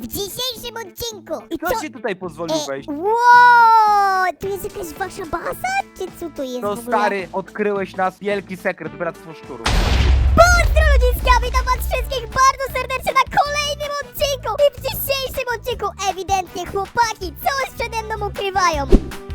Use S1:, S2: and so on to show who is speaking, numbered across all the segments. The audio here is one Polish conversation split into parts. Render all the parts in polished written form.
S1: w dzisiejszym odcinku.
S2: Kto ci tutaj pozwolił wejść?
S1: Wow, tu jest jakaś wasza baza? Czy co to jest
S2: To
S1: w ogóle?
S2: stary, odkryłeś nas wielki sekret, Bractwo Szczurów.
S1: Pozdro ludziska, witam was wszystkich bardzo serdecznie na kolejnym odcinku. I w dzisiejszym odcinku ewidentnie chłopaki coś przede mną ukrywają.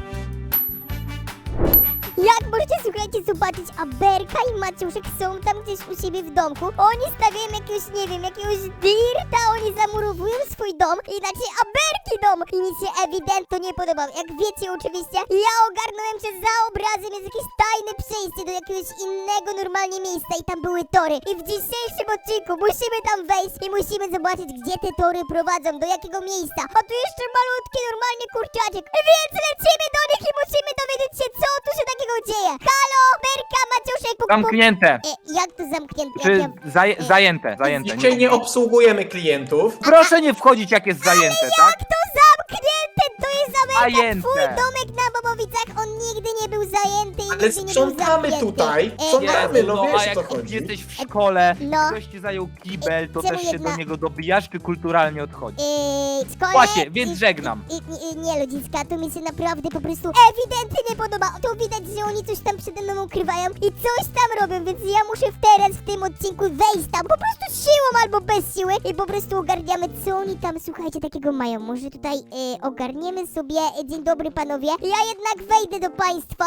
S1: Jak możecie, słuchajcie, zobaczyć, Aberka i Maciuszek są tam gdzieś u siebie w domku. Oni stawiają jakiegoś, nie wiem, jakiegoś dirta, oni zamurowują swój dom i znaczy Aberki dom. I mi się ewidentnie nie podoba. Jak wiecie oczywiście, ja ogarnąłem, że za obrazem jest jakieś tajne przejście do jakiegoś innego normalnie miejsca i tam były tory. I w dzisiejszym odcinku musimy tam wejść i musimy zobaczyć, gdzie te tory prowadzą, do jakiego miejsca. A tu jeszcze malutki normalnie kurczaczek. Więc lecimy do nich i musimy dowiedzieć się, co tu się takiego dzieje. Halo, Berka, Maciuszek, puk, puk.
S2: Zamknięte!
S1: Jak to zamknięte?
S2: Czy
S1: Jak ja...
S2: zajęte?
S3: Dzisiaj nie obsługujemy klientów.
S2: Proszę nie wchodzić, jak jest zajęte, tak?
S1: To zamknięte! To jest Aberka,
S2: Zajęte.
S1: twój domek na Bobowicach. On nigdy nie był zajęty i
S3: Ale
S1: nigdy nie był
S3: sprzątamy
S1: zamknięty.
S3: tutaj. Sprzątamy, no
S2: a
S3: wiesz o
S2: jak
S3: co chodzi.
S2: jesteś w szkole,
S1: No.
S2: ktoś ci zajął kibel, to
S1: Czemu
S2: też się
S1: jedna-
S2: do niego dobijasz, czy kulturalnie odchodzisz?
S1: Szkole...
S2: Właśnie, więc żegnam.
S1: Nie, ludziska, to mi się naprawdę po prostu ewidentnie nie podoba. To widać, że oni coś tam przede mną ukrywają i coś tam robią, więc ja muszę teraz w tym odcinku wejść tam po prostu siłą albo bez siły i po prostu ogarniamy, co oni tam, słuchajcie, takiego mają. Może tutaj ogarniemy sobie. Dzień dobry, panowie. Ja jednak wejdę do państwa.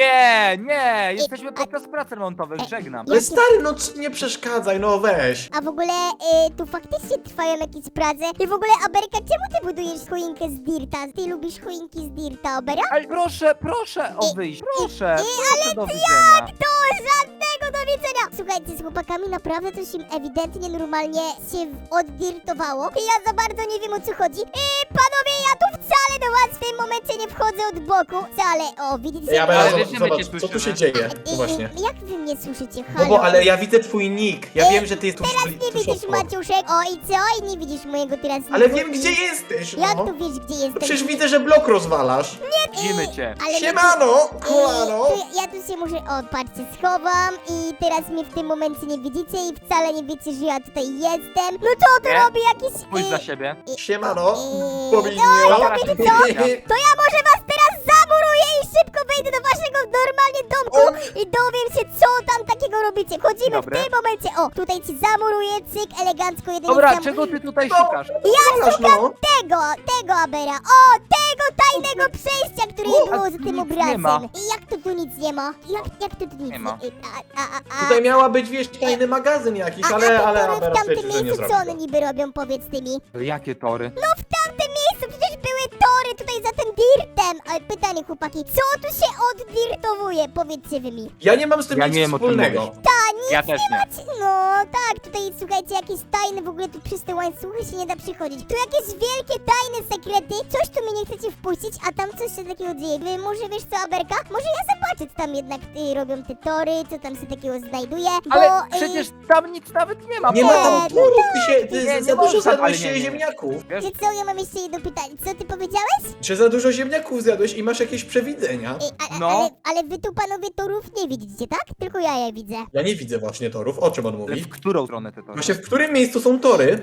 S2: Nie, jesteśmy podczas prac remontowych, żegnam.
S3: Ale stary, no nie przeszkadzaj, no weź.
S1: A w ogóle tu faktycznie trwają jakieś prace. I w ogóle, Aberka, czemu ty budujesz choinkę z dirta? Ty lubisz choinki z dirta, Abera?
S2: Ale proszę o wyjść, proszę do widzenia.
S1: To żadnego do widzenia! Słuchajcie, z chłopakami naprawdę coś im ewidentnie normalnie się oddirtowało. I ja za bardzo nie wiem, o co chodzi. Panowie, ja tu wcale do was w tym momencie nie wchodzę od boku. Wcale, o, widzicie?
S3: Ja
S2: Ale
S3: będę
S2: wiesz, że my cię
S3: zobacz, co tu się
S2: słyszymy.
S3: dzieje. No właśnie.
S1: Jak wy mnie słyszycie?
S3: No
S1: Halo?
S3: bo, ale ja widzę twój nick. Ja wiem, że ty jesteś
S1: Teraz nie
S3: tuż
S1: widzisz,
S3: obok.
S1: Maciuszek. O, i co? I nie widzisz mojego teraz
S3: Ale
S1: nicku.
S3: wiem, gdzie jesteś,
S1: Jak
S3: no.
S1: tu wiesz, gdzie
S3: No
S1: jestem?
S3: przecież widzę, że blok rozwalasz.
S2: Widzimy cię.
S1: Ale
S3: Siemano, kolano.
S1: Ja tu się muszę, o patrzcie, schowam i teraz mnie w tym momencie nie widzicie i wcale nie wiecie, że ja tutaj jestem. No to on
S2: Nie?
S1: robi jakiś...
S2: Spójrz za siebie.
S3: Siemano,
S1: no,
S3: Bobinio.
S1: to wiecie co? To ja może was teraz zamuruję i szybko wejdę do waszego normalnie domku i dowiem się, co tam takiego robicie. Wchodzimy
S2: Dobre.
S1: w tym momencie. O, tutaj ci zamuruję, cyk, elegancko, jeden
S2: Dobra,
S1: jest
S2: czego ty tutaj
S3: No.
S2: szukasz?
S1: Ja
S3: Rozwalasz,
S1: szukam
S3: no.
S1: tego Abera. O, tego tajnego przejścia, które
S2: O,
S1: było
S2: a
S1: za
S2: tu
S1: tym
S2: nic
S1: obrazem.
S2: nie ma.
S1: I jak to tu nic nie ma? Jak to tu nic
S2: Nie ma.
S3: Tutaj miała być, wiesz, tajny magazyn jakiś, ale
S1: te tory
S3: Abera
S1: w tamtym
S3: stwierdził, że nie
S1: miejscu,
S3: zrobi
S1: co one
S3: to.
S1: niby robią, powiedz ty mi?
S2: Jakie tory?
S1: No w tamtym miejscu przecież były tory tutaj za tym dirtem. Ale pytanie, chłopaki, co tu się oddirtowuje? Powiedzcie wy mi.
S3: Ja nie mam z tym
S2: Ja
S3: nic
S2: nie wiem, o czym
S3: wspólnego.
S2: mówisz.
S1: Ta,
S2: Ja też nie.
S1: no tak, tutaj słuchajcie, jakieś tajne w ogóle tu przez te łańcuchy się nie da przychodzić. Tu jakieś wielkie tajne sekrety, coś tu mnie nie chcecie wpuścić, a tam coś się takiego dzieje. Wy może wiesz co, Aberka? Może ja zobaczę, co tam jednak robią te tory, co tam się takiego znajduje, bo...
S2: Ale przecież tam nic nawet nie ma.
S3: Nie ma tam
S1: Nie,
S3: turów,
S2: Nie,
S3: ty
S2: nie
S3: za dużo
S2: można, ale
S3: zjadłeś
S2: nie, nie.
S3: ziemniaków.
S2: Wiesz,
S1: Czy co, ja mam jeszcze jedno pytanie. Co ty powiedziałeś?
S3: Czy za dużo ziemniaków zjadłeś i masz jakieś przewidzenia?
S2: No.
S1: Ale wy tu panowie torów nie widzicie, tak? Tylko ja je widzę.
S3: Ja nie widzę właśnie torów, o czym on
S2: ale
S3: mówi?
S2: w którą stronę te tory?
S3: Właśnie w którym miejscu są tory?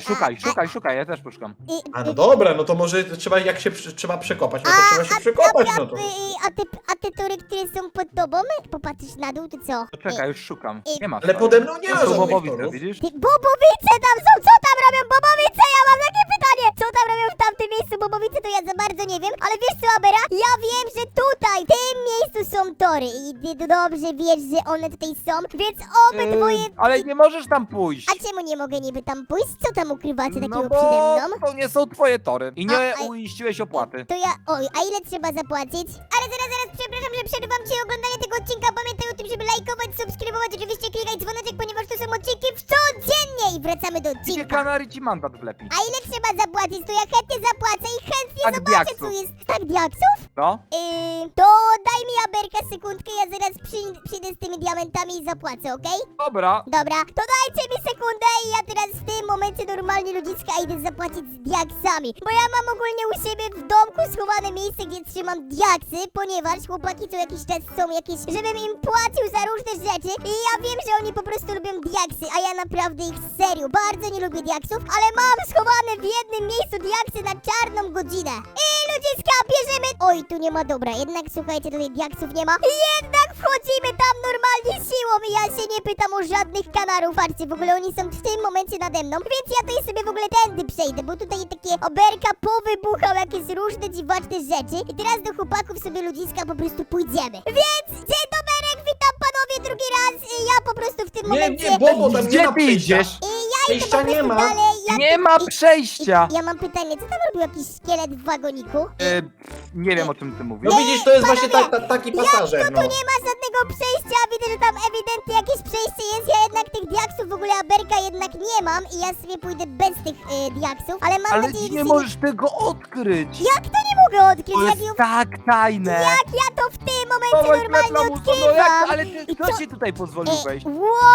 S2: Szukaj, ja też poszukam.
S3: A no dobra, no to może trzeba, jak się trzeba przekopać, no to trzeba się przekopać, no to.
S1: A te tory, które są pod tobą? Popatrzysz na dół, to co?
S2: To czekaj, już szukam. Nie ma.
S3: Ale pode mną nie ma
S2: To są
S3: żadnych
S2: bobowice,
S3: torów.
S2: widzisz?
S1: Bobowice tam są! Co tam robią bobowice? Ja mam takie pytanie! Co tam robią w tamtym miejscu bobowice, to ja za bardzo nie wiem. Ale wiesz co, Abera? Ja wiem, że tutaj, w tym miejscu są tory. I ty dobrze wiesz, że one tutaj są. Więc obydwoje...
S2: Ale nie możesz tam pójść.
S1: A czemu nie mogę niby tam pójść? Co tam ukrywacie takiego
S2: No
S1: przede
S2: bo
S1: mną?
S2: to nie są twoje tory. I nie
S1: A-
S2: uiściłeś opłaty.
S1: To ja... Oj, a ile trzeba zapłacić? Ale zaraz, przepraszam, że przerywam ci oglądanie tego odcinka. Pamiętaj o tym, żeby lajkować, subskrybować, oczywiście klikać dzwoneczek, ponieważ to są odcinki codziennie. I wracamy do
S2: Gdzie
S1: odcinka.
S2: kanary ci mandat wlepi?
S1: A ile trzeba zapłacić? To ja chętnie zapłacę i chętnie
S2: Tak,
S1: zobaczę,
S2: diaksów.
S1: co jest. Tak, diaksów?
S2: No?
S1: To daj mi Aberka sekundę. sekundkę, ja zaraz przyjdę z tymi diamentami i zapłacę, okej?
S2: Dobra.
S1: Dobra, to dajcie mi sekundę i ja teraz w tym momencie normalnie ludziska idę zapłacić z diaksami. Bo ja mam ogólnie u siebie w domku schowane miejsce, gdzie trzymam diaksy, ponieważ chłopaki co jakiś czas są jakieś, żebym im płacił za różne rzeczy i ja wiem, że oni po prostu lubią diaksy, a ja naprawdę ich serio bardzo nie lubię diaksów, ale mam schowane w jednym miejscu diaksy na czarną godzinę. I ludziska, bierzemy... Oj, tu nie ma, dobra, jednak słuchajcie, tutaj diaksów nie ma. Jednak wchodzimy tam normalnie siłą i ja się nie pytam o żadnych kanarów. Patrzcie, w ogóle oni są w tym momencie nade mną, więc ja tutaj sobie w ogóle tędy przejdę, bo tutaj takie oberka powybuchał jakieś różne dziwaczne rzeczy. I teraz do chłopaków sobie ludziska po prostu pójdziemy. Więc dzień doberek, witam panowie drugi raz. I ja po prostu w tym
S3: Nie,
S1: momencie...
S3: nie, Bobo, tam nie
S2: Gdzie
S3: ma
S2: ty idziesz?
S1: I ja idę
S3: Przejścia
S1: po prostu
S3: nie ma.
S1: dalej.
S2: Nie ma przejścia.
S1: Ja mam pytanie, co tam robił jakiś szkielet w wagoniku?
S2: Nie wiem, o czym ty mówisz.
S3: No widzisz, to jest właśnie
S1: panowie,
S3: taki pasażer, no.
S1: Tu nie ma żadnego przejścia, widzę, że tam ewidentnie jakieś przejście jest. Ja jednak tych diaksów w ogóle aberka jednak nie mam i ja sobie pójdę bez tych diaksów, ale mam
S2: Ale
S1: nadzieję, że
S2: nie
S1: się
S2: możesz tego odkryć.
S1: Jak to nie mogę odkryć?
S2: To
S1: Jak,
S2: jest tak tajne.
S1: jak ja to w tym momencie
S2: Dawaj,
S1: normalnie
S2: Kletlamuso, no
S1: odkrywam?
S2: jak, ale
S1: I
S2: kto
S1: co-
S2: ci tutaj pozwolił wejść?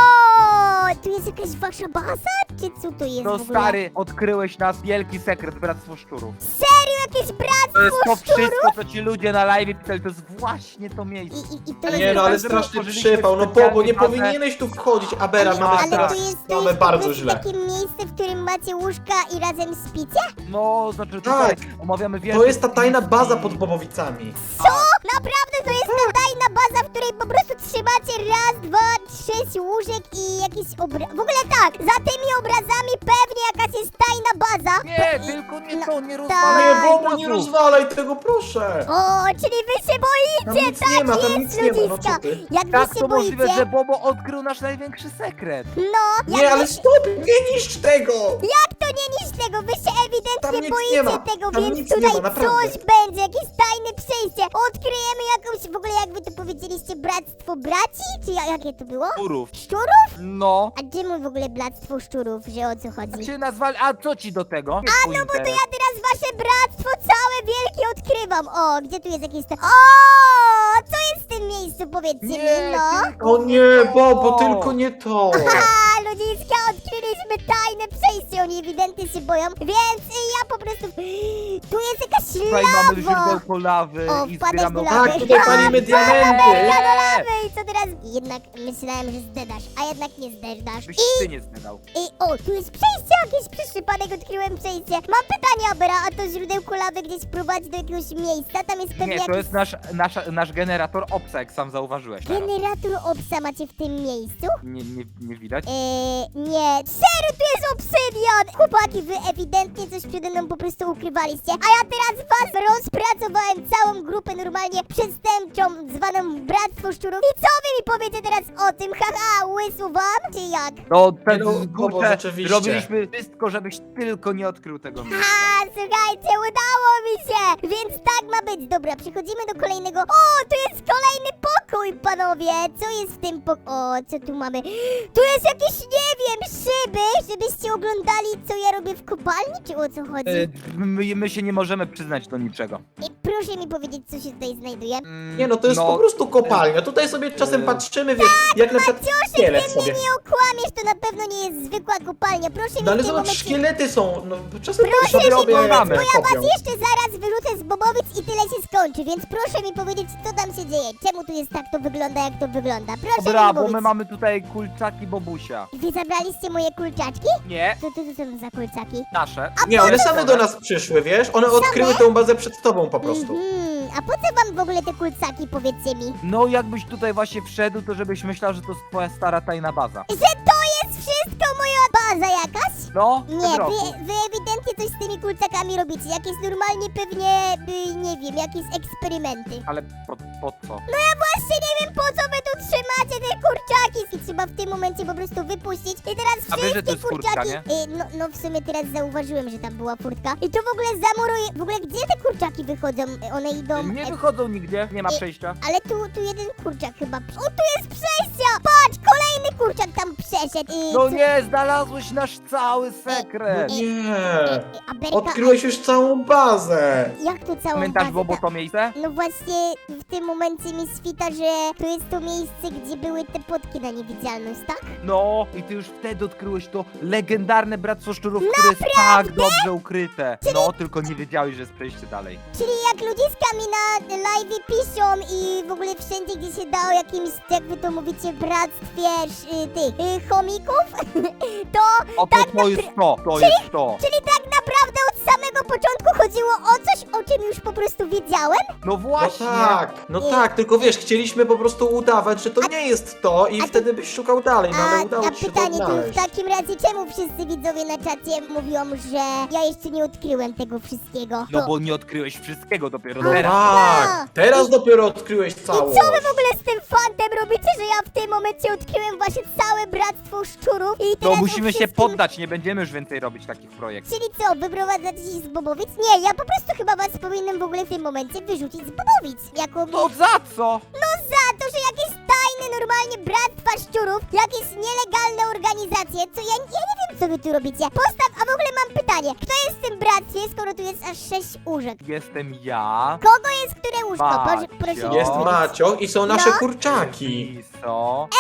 S1: Wow, tu jest jakaś wasza baza? Czy co to jest
S2: No
S1: w ogóle?
S2: stary, odkryłeś nas wielki sekret, Bractwo Szczurów.
S1: Serio, jakieś
S2: To
S1: bractwo
S2: jest to
S1: szczurów?
S2: wszystko, co ci ludzie na live pisali, to jest właśnie to miejsce.
S1: I to
S2: Ale
S3: Nie
S1: jest...
S3: no, ale
S2: Dopiero
S3: straszny
S2: stworzyliśmy
S3: przypał, no
S2: specjalnie
S3: Bobo, nie
S2: bazę.
S3: powinieneś tu wchodzić, Abera, mamy
S2: ale
S1: Ale
S3: teraz,
S1: to jest
S3: mamy
S1: po
S3: bardzo
S1: prostu
S3: źle.
S1: takie miejsce, w którym macie łóżka i razem spicie?
S2: No, znaczy tutaj
S3: Tak.
S2: omawiamy
S3: To
S2: wielkie
S3: jest ta tajna
S2: spiski.
S3: baza pod Bobowicami.
S1: Co? Naprawdę to jest ta tajna baza, w której po prostu trzymacie raz, dwa, 6 łóżek i jakieś W ogóle tak, za tymi obrazami pewnie jakaś jest tajna baza.
S2: Nie, tylko nie
S1: No,
S2: to, nie
S1: tak.
S2: rozwalaj
S3: Nie,
S2: tej
S3: Bobo, nie
S2: bazu.
S3: rozwalaj tego, proszę.
S1: O, czyli wy się
S3: Tam
S1: boicie,
S3: nic
S1: tak
S3: nie ma, tam
S1: jest,
S3: nic nie ma, no
S1: ludziska.
S3: co ty?
S1: Jak
S2: Jak
S1: wy się
S2: to możliwe,
S1: boicie,
S2: że Bobo odkrył nasz największy sekret?
S1: no,
S3: Nie,
S1: jak
S3: ale
S1: wy...
S3: stop, nie niszcz tego!
S1: Jak to nie niż tego? Wy się
S3: Tam
S1: ewidentnie
S3: nic
S1: boicie
S3: nie ma.
S1: tego,
S3: Tam
S1: więc
S3: nic nie
S1: tutaj
S3: ma, naprawdę.
S1: coś będzie, jakieś tajne przejście. Odkryjemy jakąś, w ogóle jak wy to powiedzieliście, bractwo braci? Czy jakie to było?
S2: Szczurów.
S1: Szczurów?
S2: No.
S1: A czemu w ogóle bractwo szczurów, że o co chodzi?
S2: Cię nazwali, a co ci do tego?
S1: A no bo to ja teraz wasze bractwo całe wielkie odkrywam. O, gdzie tu jest jakieś to... O, co jest w tym miejscu, powiedzcie mi, no?
S2: tylko
S3: O nie, Bobo, tylko nie to.
S1: Haha, ludziska, odkryliśmy tajne przejście, oni ewidentnie się boją, więc ja po prostu... Tu jest jakaś
S2: Tutaj mamy
S1: lawa!
S2: źródełko lawy
S1: O,
S2: i
S1: wpadłeś
S2: zbieramy
S1: do lawy.
S3: Tak, tutaj palimy diamenty.
S1: Lawy, i co teraz? Jednak myślałem, że zdedasz, a jednak nie zdedasz.
S2: Byś ty nie zgadał.
S1: O, tu jest przejście jakieś, przez przypadek odkryłem przejście. Mam pytanie, Abera, a to źródełko lawy gdzieś prowadzi do jakiegoś miejsca? Tam jest pewnie
S2: Nie, to
S1: jakiś
S2: jest nasz generator obsa, jak sam zauważyłeś teraz.
S1: generator obsa macie w tym miejscu?
S2: Nie widać?
S1: Nie. Serio, tu jest obsydian! Chłopaki, wy ewidentnie coś przede mną po prostu ukrywaliście. A ja teraz was rozpracowałem całą grupę normalnie przestępczą, zwaną Bractwo Szczurów. I co wy mi powiecie teraz o tym? Haha, łysł wam? Czy jak?
S2: No, ten
S3: No, Bobo,
S2: kurczę,
S3: rzeczywiście.
S2: robiliśmy wszystko, żebyś tylko nie odkrył tego miejsca.
S1: A, słuchajcie, udało mi się! Więc tak ma być. Dobra, przechodzimy do kolejnego... O, tu jest kolejny pokój, panowie! Co jest w tym O, co tu mamy? Tu jest jakieś, nie wiem, szyby, żebyście oglądali, co ja robię w kopalni, czy o co chodzi?
S2: My się nie możemy przyznać do niczego.
S1: I proszę mi powiedzieć, co się tutaj znajduje.
S3: Nie no, to jest po prostu kopalnia. Tutaj sobie czasem patrzymy, wiesz, jak na przykład szkielet
S1: Ty mnie
S3: sobie.
S1: nie okłamiesz, to na pewno nie jest zwykła kopalnia. Proszę mi
S3: No ale
S1: w tym
S3: zobacz,
S1: momencie...
S3: szkielety są, no czasem
S1: Proszę
S3: sobie
S1: mi
S3: robię,
S2: oglądamy.
S1: Bo ja was
S3: kopią.
S1: jeszcze zaraz wyrzucę z Bobowic i tyle się skończy, więc proszę mi powiedzieć, co tam się dzieje. Czemu tu jest tak to wygląda, jak to wygląda? Proszę
S2: Dobra,
S1: mi
S2: bo
S1: mówić.
S2: my mamy tutaj kulczaki Bobusia.
S1: Wy zabraliście moje kurczaczki?
S2: Nie,
S1: Co to są za kurczaki?
S2: nasze.
S3: Nie, one same do nas przyszły, wiesz? One odkryły tę bazę przed tobą po prostu.
S1: A po co wam w ogóle te kurczaki, powiedzcie mi?
S2: No jakbyś tutaj właśnie wszedł, to żebyś myślał, że to jest twoja stara tajna baza.
S1: Że to jest wszystko moja baza jakaś?
S2: No,
S1: Nie,
S2: w tym roku.
S1: wy ewidentnie coś z tymi kurczakami robicie. Jakieś normalnie pewnie, nie wiem, jakieś eksperymenty.
S2: Ale po co?
S1: No ja właśnie nie wiem, po co wy tu trzymacie te kurczaki. I trzeba w tym momencie po prostu wypuścić. I teraz
S2: A wiesz, że to
S1: wszystkie
S2: jest furtka,
S1: kurczaki...
S2: nie?
S1: No w sumie teraz zauważyłem, że tam była furtka. I to w ogóle zamuruje... W ogóle gdzie te kurczaki wychodzą? One idą...
S2: Nie wychodzą nigdzie, nie ma przejścia.
S1: Ale tu jeden kurczak chyba... O, tu jest przejście! Patrz, kolejny kurczak tam przeszedł.
S2: No nie, znalazłeś nasz cały sekret.
S3: Nie.
S1: A Aberka...
S3: Odkryłeś już całą bazę.
S1: Jak to całą
S2: Pamiętasz,
S1: bazę?
S2: Bobo, to miejsce?
S1: No właśnie w tym momencie mi świta, że to jest to miejsce, gdzie były te potki na niewidzialność, tak?
S2: No, i ty już wtedy odkryłeś to legendarne Bractwo Szczurów, które jest tak dobrze ukryte. No, tylko nie wiedziałeś, że jest przejście dalej.
S1: Czyli jak ludziska mi na live piszą i w ogóle wszędzie, gdzie się da o jakimś, jak wy to mówicie, bractwie tych chomików, to
S2: To jest to, to jest to.
S1: czyli tak naprawdę od samego początku chodziło o coś, o czym już po prostu wiedziałem?
S2: No
S3: No
S2: właśnie.
S3: no tak, tylko wiesz, chcieliśmy po prostu udawać, że to nie jest to i wtedy byś szukał dalej, no ale udało
S1: A
S3: ci się to
S1: pytanie, to w
S3: odnaleźć.
S1: takim razie czemu wszyscy widzowie na czacie mówią, że ja jeszcze nie odkryłem tego wszystkiego?
S2: No bo nie odkryłeś wszystkiego dopiero
S3: No
S2: teraz.
S3: tak, teraz dopiero odkryłeś
S1: I
S3: całość.
S1: co wy w ogóle z tym fantem robicie, że ja w tym momencie odkryłem właśnie całe bractwo szczurów i
S2: No
S1: teraz
S2: musimy
S1: o
S2: się
S1: wszystkim...
S2: poddać, nie będziemy już więcej robić takich projektów.
S1: Czyli co, wyprowadzacie się z Bobowic? Nie, ja po prostu chyba was powinienem w ogóle w tym momencie wyrzucić z Bobowic. Jako
S2: To za co?
S1: No za to, że jakieś tajne normalnie bractwa szczurów, jakieś nielegalne organizacje, co ja nie wiem co wy tu robicie. Postaw, a w ogóle mam pytanie, kto jest w tym bractwie, skoro tu jest aż 6 łóżek?
S2: Jestem ja.
S1: Kogo jest które łóżko? Proszę
S2: Macio.
S1: mi
S3: Jest
S1: powiedzieć.
S3: Macio i są nasze
S1: No.
S3: kurczaki.
S2: Elviso.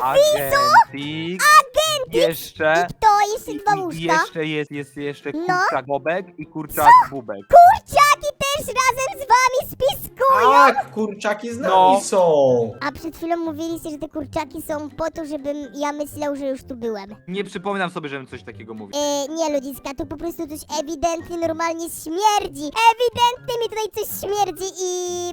S2: Agentik. Jeszcze.
S1: I kto? Jeszcze dwa
S2: I
S1: łóżka?
S2: jeszcze jest jeszcze
S1: No.
S2: kurczak Bobek i kurczak Bubek.
S1: Kurczaki też razem z wami spiskują!
S3: Tak, kurczaki z nami
S2: No.
S3: są.
S1: A przed chwilą mówiliście, że te kurczaki są po to, żebym ja myślał, że już tu byłem.
S2: Nie przypominam sobie, żebym coś takiego mówił.
S1: Nie ludziska, tu po prostu coś ewidentnie normalnie śmierdzi. Ewidentnie mi tutaj coś śmierdzi i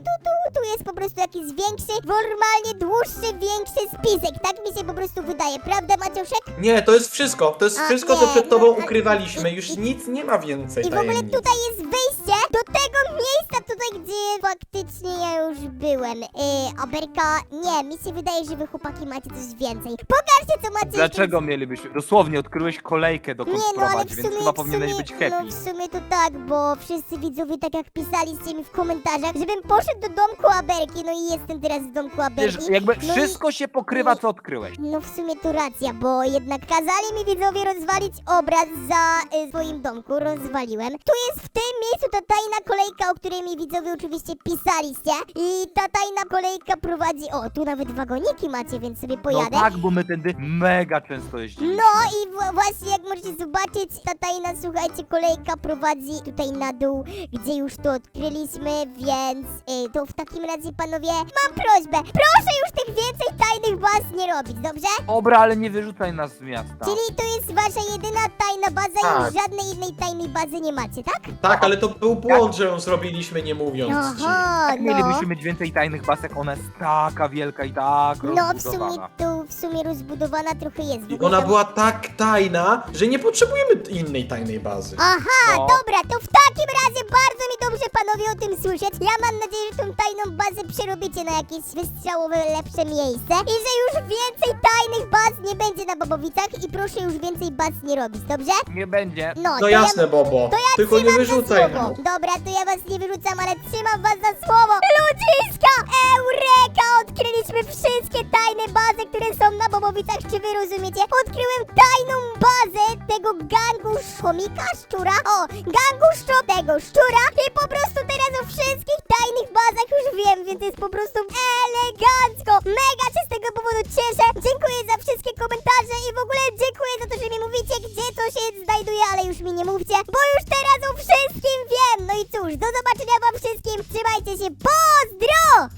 S1: tu jest po prostu jakiś większy, normalnie dłuższy, większy spisek. Tak mi się po prostu wydaje, prawda Maciuszek?
S3: Nie, to jest wszystko. To jest
S1: A,
S3: wszystko,
S1: nie,
S3: co przed
S1: no,
S3: tobą
S1: a-
S3: ukrywaliśmy. Już nic nie ma więcej
S1: I w ogóle
S3: tajemnic.
S1: tutaj jest wyjście do tego miejsca tutaj, gdzie faktycznie ja już byłem. Aberka, nie, mi się wydaje, że wy chłopaki macie coś więcej. Pokażcie co macie.
S2: Dlaczego mielibyśmy? Dosłownie odkryłeś kolejkę, dokąd
S1: Nie, no ale w
S2: prowadzi, więc
S1: sumie,
S2: chyba powinieneś być happy.
S1: No w sumie to tak, bo wszyscy widzowie tak jak pisaliście mi w komentarzach, żebym poszedł do domku Aberki, no i jestem teraz w domku
S2: Wiesz,
S1: Aberki.
S2: jakby
S1: no
S2: wszystko się pokrywa, co odkryłeś.
S1: No w sumie to racja, bo jednak kazali mi widzowie rozwalić obraz za swoim domku, rozwaliłem. Tu jest w tym miejscu ta tajna kolejka, o której mi widzowie oczywiście pisaliście i ta tajna kolejka prowadzi, o tu nawet wagoniki macie, więc sobie
S2: No
S1: pojadę.
S2: tak, bo my tędy mega często jeździmy.
S1: No i właśnie jak możecie zobaczyć, ta tajna, słuchajcie, kolejka prowadzi tutaj na dół, gdzie już to odkryliśmy, więc to w takim razie, panowie, mam prośbę, proszę już tych więcej tajnych baz nie robić, dobrze?
S2: Dobra, ale nie wyrzucaj nas z miasta.
S1: Czyli to jest wasza jedyna tajna baza i
S3: Tak.
S1: już żadnej innej tajnej bazy nie macie, tak?
S3: Tak, ale to był błąd, że ją zrobiliśmy nie mówiąc ci.
S1: Aha,
S2: Jak
S1: no.
S2: mielibyśmy mieć więcej tajnych basek, ona jest taka wielka i tak
S1: No w sumie
S2: rozbudowana.
S1: tu w sumie rozbudowana trochę jest. w
S3: I
S1: ogóle
S3: ona
S1: tam-
S3: była tak tajna, że nie potrzebujemy innej tajnej bazy.
S1: Aha,
S2: No.
S1: dobra, to w takim razie bardzo mi dobrze panowie o tym słyszeć. Ja mam nadzieję, że tą tajną bazę przerobicie na jakieś wystrzałowe, lepsze miejsce i że już więcej tajnych baz nie będzie na Bobowicach i proszę już więcej baz nie robić, dobrze?
S2: Nie będzie.
S1: No,
S3: No
S1: to
S3: jasne,
S1: ja...
S3: Bobo.
S1: To ja
S3: Tylko nie
S1: trzymam
S3: wyrzucaj
S1: za
S3: nam.
S1: słowo. Dobra, to ja was nie wyrzucam, ale trzymam was za słowo. Ludziska! Eureka! Odkryliśmy wszystkie tajne bazy, które są na Bobowicach, czy wy rozumiecie? Odkryłem tajną bazę tego gangu chomika, szczura. O, gangu tego szczura i po prostu teraz o wszystkich tajnych bazach już wiem, więc jest po prostu elegancko. Mega się z tego powodu cieszę. Dziękuję za wszystkie komentarze i w ogóle dziękuję za to, że mi mówicie, gdzie to się znajduje, ale już mi nie mówcie, bo już teraz o wszystkim wiem. No i cóż, do zobaczenia wam wszystkim. Trzymajcie się. Pozdro!